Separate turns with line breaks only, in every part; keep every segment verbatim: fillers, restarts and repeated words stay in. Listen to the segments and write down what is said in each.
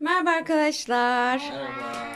Merhaba arkadaşlar.
Merhaba.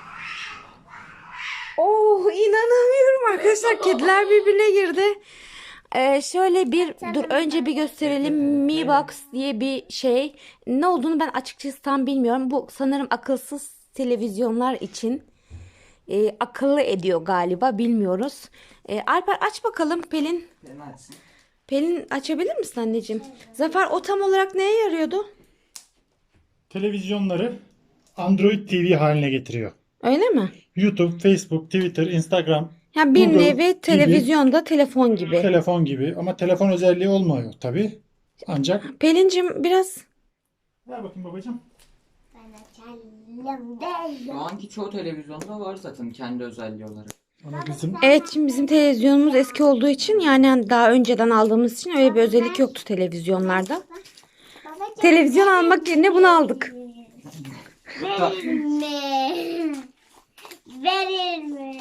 Oh, inanamıyorum arkadaşlar. Kediler birbirine girdi. Ee, şöyle bir dur önce bir gösterelim. Mi Box diye bir şey. Ne olduğunu ben açıkçası tam bilmiyorum. Bu sanırım akılsız televizyonlar için e, akıllı ediyor galiba. Bilmiyoruz. E, Alper aç bakalım Pelin.
Benim açsın.
Pelin açabilir misin anneciğim? Zafer o tam olarak neye yarıyordu?
Televizyonları Android T V haline getiriyor.
Öyle mi?
YouTube, Facebook, Twitter, Instagram,
Ya bir
Google
nevi
gibi,
televizyonda telefon gibi.
telefon gibi ama telefon özelliği olmuyor tabii. Ancak
Pelincim biraz
ver bakayım babacığım.
Ben açalım değil.
Şu anki çoğu televizyonda var zaten kendi özelliği olarak.
Ama bizim
evet, şimdi bizim televizyonumuz eski olduğu için yani daha önceden aldığımız için öyle bir özellik yoktu televizyonlarda. Televizyon almak yerine bunu aldık.
Verir mi? Verir mi?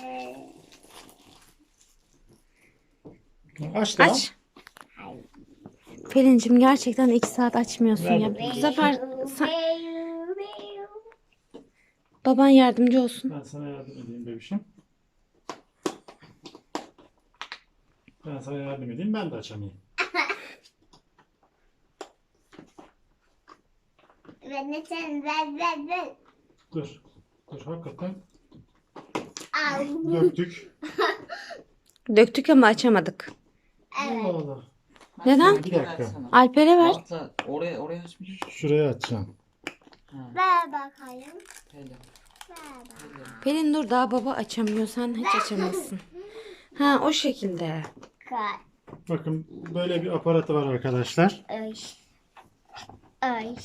aç da
Aç. Pelincim gerçekten iki saat açmıyorsun
Ver
ya.
bakayım.
Bu sefer sen- baban yardımcı olsun.
ben sana yardım edeyim bebişim. Ben sana yardım edeyim, ben de açamayayım.
Ben de sen ver ver ver.
Dur. Dur hakikaten
Al.
döktük.
Döktük ama açamadık.
Allah Allah.
Neden?
Bir dakika.
Alper'e ver.
Hatta oraya oraya açmış.
Şuraya açacağım.
Ver bakayım.
Hele.
Ver bak.
Pelin dur, daha baba açamıyor, sen hiç açamazsın. Ha, o şekilde.
Kay.
Bakın böyle bir aparatı var arkadaşlar.
Ay. Ay.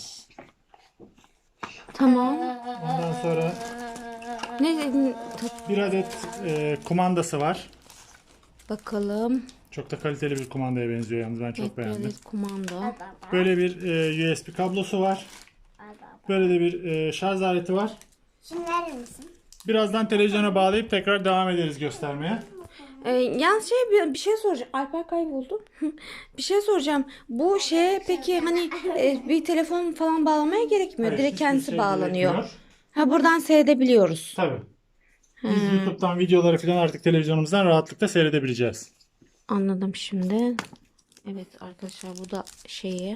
Tamam.
Ondan sonra
Ne dedin?
bir adet e, kumandası var.
Bakalım.
Çok da kaliteli bir kumandaya benziyor yalnız, ben çok
Evet,
beğendim.
böyle kumanda.
Böyle bir e, U S B kablosu var. Böyle de bir e, şarj aleti var.
Şunu verir misin?
Birazdan televizyona bağlayıp tekrar devam ederiz göstermeye.
Ee, yalnız şey bir, bir şey soracağım. Alper kayboldu. Bir şey soracağım. Bu şeye peki hani e, bir telefon falan bağlamaya gerekmiyor.
Hayır,
Direkt
hiçbir
kendisi
şey
bağlanıyor.
gerekmiyor.
Ha, buradan seyredebiliyoruz.
Tabii. Biz YouTube'dan videoları falan artık televizyonumuzdan rahatlıkla seyredebileceğiz.
Anladım şimdi. Evet arkadaşlar, bu da şeyi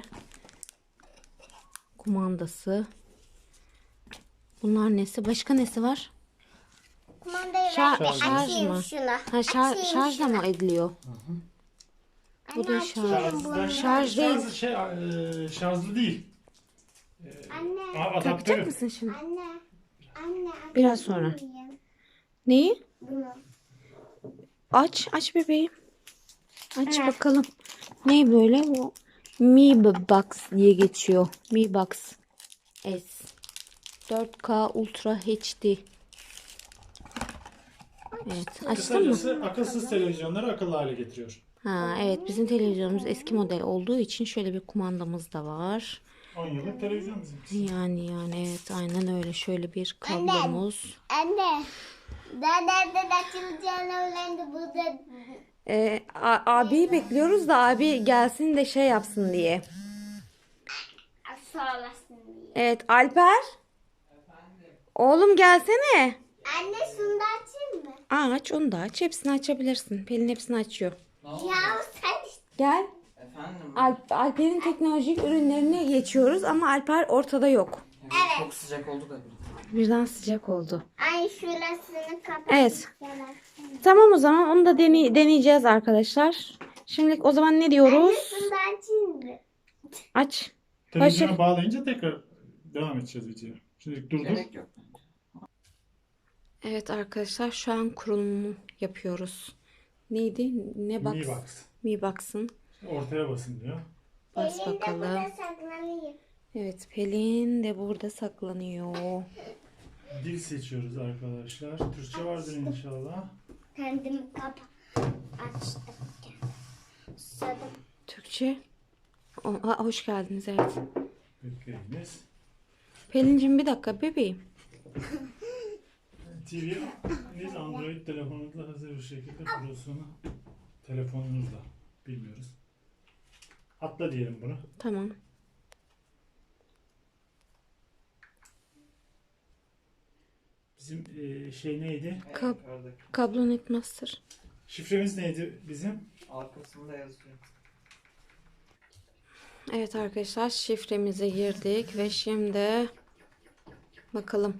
kumandası. Bunlar nesi? Başka nesi var?
Kumandayı
Şar-
ver.
şarj
Açayım
mı?
şunu.
Ha, şar-
Açayım
şarjla
şunu.
mı ediliyor? Bu da
Anne,
şarj.
açayım bunu.
Şarj değil.
Şarj, şey, e, şarjlı değil.
Anne.
A-
Takacak
Adaptörü.
mısın şimdi?
Anne. Anne.
Biraz
açabilir
sonra.
miyim
Neyi?
Bunu.
Aç, aç bebeğim. Aç bakalım. Ne böyle bu? Mi Box diye geçiyor. Mi Box S. dört K Ultra H D. Evet, açtın mı?
Kısacası akılsız televizyonları akıllı hale getiriyor.
Ha, evet, bizim televizyonumuz eski model olduğu için şöyle bir kumandamız da var.
on yıllık televizyon bizim.
Yani yani evet, aynen öyle, şöyle bir kablomuz.
Anne. Nerede açılacağını öğrendi burada.
Ee, a- abiyi bekliyoruz da abi gelsin de şey yapsın diye.
Sağlasın diye.
Evet Alper. Oğlum gelsene.
Anne şunu da açayım mı?
Aa, aç onu da aç. Hepsini açabilirsin. Pelin hepsini açıyor.
Ne oldu?
Ya sen işte.
Gel.
Efendim?
Alp, Alper'in teknolojik ürünlerine geçiyoruz ama Alper ortada yok.
Evet. Çok sıcak oldu da bir.
Birden sıcak oldu.
Ay şurasını kapat.
Evet. Tamam, o zaman onu da deney- deneyeceğiz arkadaşlar. Şimdilik o zaman ne
Anne
diyoruz?
şunu da açayım mı?
Aç.
Televizyona
Hoşça-
bağlayınca tekrar devam edeceğiz videoya. Şimdi durdur.
Gerek yok.
Evet arkadaşlar, şu an kurulumu yapıyoruz. Neydi? Ne box?
Mi Box.
Mi Box'ın.
Ortaya basın diyor.
Bas
Elinde
bakalım.
burada saklanayım.
Evet, Pelin de burada saklanıyor.
Dil seçiyoruz arkadaşlar. Türkçe vardır inşallah.
Kendimi kapa. Açtım. Susadım.
Türkçe. O, ha, hoş geldiniz, evet.
Bekleyiniz.
Pelincim bir dakika bebeğim.
T V'niz Android telefonunuzla hazır bir şekilde kurulsunu telefonunuzla bilmiyoruz. Atla diyelim bunu.
Tamam.
Bizim e, şey neydi?
Kap-
Yukarıdaki.
Kablo Netmaster.
Şifremiz neydi bizim?
Arkasında yazıyor.
Evet arkadaşlar, şifremize girdik ve şimdi bakalım.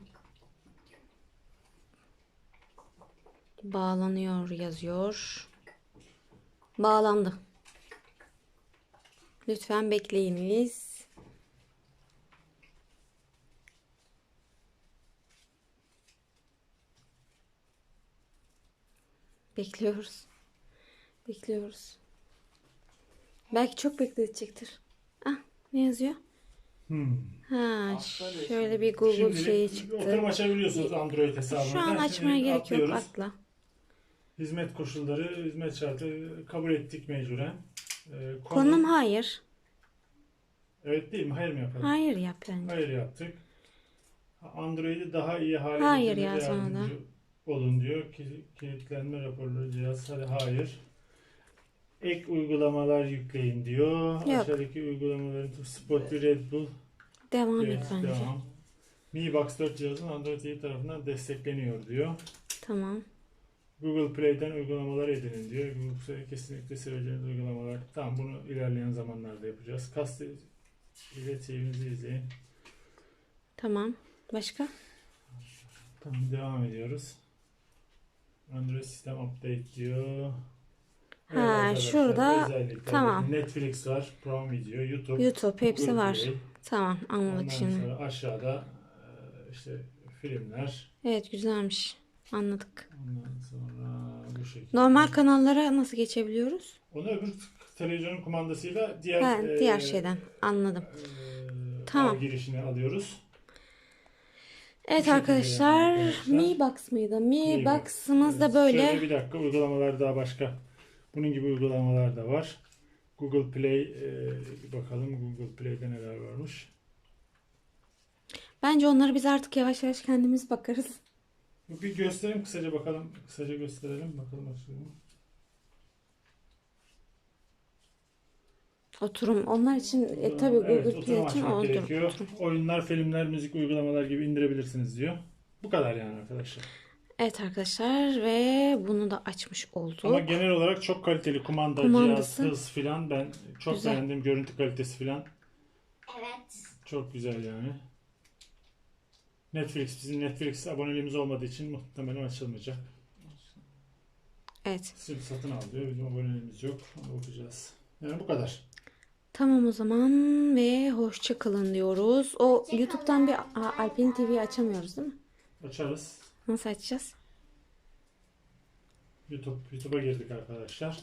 Bağlanıyor yazıyor. Bağlandı. Lütfen bekleyiniz. Bekliyoruz. Bekliyoruz. Belki çok bekletecektir. Ah, ne yazıyor?
Hmm.
Ha,
Aslında
şöyle bir Google
Şimdi
şeyi
oturum
çıktı.
açabiliyorsunuz Android hesabınızdan.
Şu an
Şimdi
açmaya gerek yok,
atlıyoruz.
atla.
Hizmet koşulları, hizmet şartı kabul ettik mecburen. Ee, konu-
Konum hayır.
Evet değil mi? Hayır mı yapalım?
Hayır yap bence.
Hayır yaptık. Android'i daha iyi hale
Hayır
getirmede
ya, sonra da.
yardımcı olun diyor. Ki- Kilitlenme raporları cihaz. Hadi hayır. Ek uygulamalar yükleyin diyor.
Yok.
Aşağıdaki uygulamaların Spotify, Red Bull,
Devam et
evet,
bence.
devam. Mi Box dört cihazın Android T V tarafından destekleniyor diyor.
Tamam.
Google Play'den uygulamalar edinin diyor. Google Play kesinlikle seveceğiniz uygulamalar. Tamam, bunu ilerleyen zamanlarda yapacağız. Kast ile T V'nizi izleyin.
Tamam. Başka?
Tamam, devam ediyoruz. Android sistem update diyor. Evet
Ha,
arkadaşlar,
şurada
özellikler.
tamam.
Netflix var, Prime Video, YouTube,
YouTube hepsi
Google
var.
Play.
Tamam, anladık
Ondan
şimdi.
sonra aşağıda e, işte filmler.
Evet, güzelmiş. Anladık.
Ondan sonra bu şekilde.
Normal kanallara nasıl geçebiliyoruz?
Onu öbür televizyonun kumandasıyla diğer
Ha,
e,
diğer şeyden. Anladım.
e,
Tamam.
ağ girişine alıyoruz.
Evet
şekilde
arkadaşlar,
yani arkadaşlar.
Mi Box mıydı? Mi
Mi Box.
Box'ımız da
Evet,
böyle.
Şöyle bir dakika, uygulamalar daha başka. Bunun gibi uygulamalar da var. Google Play, e, bakalım Google Play'de neler varmış.
Bence onları biz artık yavaş yavaş kendimiz bakarız.
Bir gösterelim kısaca bakalım. Kısaca gösterelim bakalım açalım.
Oturum. Onlar için e, tabii Google
Evet,
Play
oturum
için
açmak
otur.
gerekiyor. Oyunlar, filmler, müzik uygulamalar gibi indirebilirsiniz diyor. Bu kadar yani arkadaşlar.
Evet arkadaşlar, ve bunu da açmış olduk.
Ama genel olarak çok kaliteli kumanda,
Kumandası.
cihaz, hız filan, ben çok
Güzel.
beğendim. Görüntü kalitesi filan
Evet.
çok güzel yani. Netflix, bizim Netflix aboneliğimiz olmadığı için muhtemelen açılmayacak.
Evet.
Sırf satın al diyor. Bizim aboneliğimiz yok. Ona bakacağız. Yani bu kadar.
Tamam o zaman ve hoşça kalın diyoruz. O
Hoşça
YouTube'dan bir
kalın.
Aa, Alpin T V'yi açamıyoruz değil mi?
Açarız.
Nasıl açacağız?
YouTube, YouTube'a girdik arkadaşlar.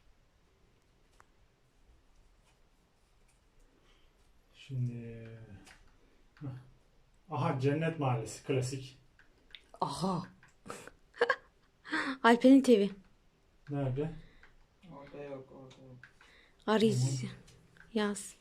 Şimdi Hah. Aha, Cennet Mahallesi klasik.
Aha. Alper'in T V.
Nerede?
Orada yok, orada yok.
Arayız. Yaz.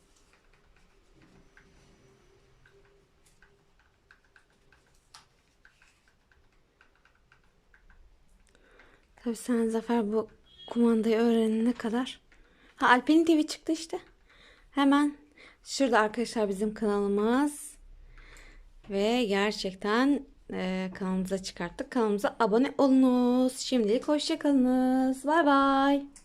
Tabii sen Zafer bu kumandayı öğrenene kadar. Ha, Alper'in T V çıktı işte. Hemen şurada arkadaşlar bizim kanalımız. Ve gerçekten e, kanalımıza çıkarttık. Kanalımıza abone olunuz. Şimdilik hoşça kalınız. Bay bay.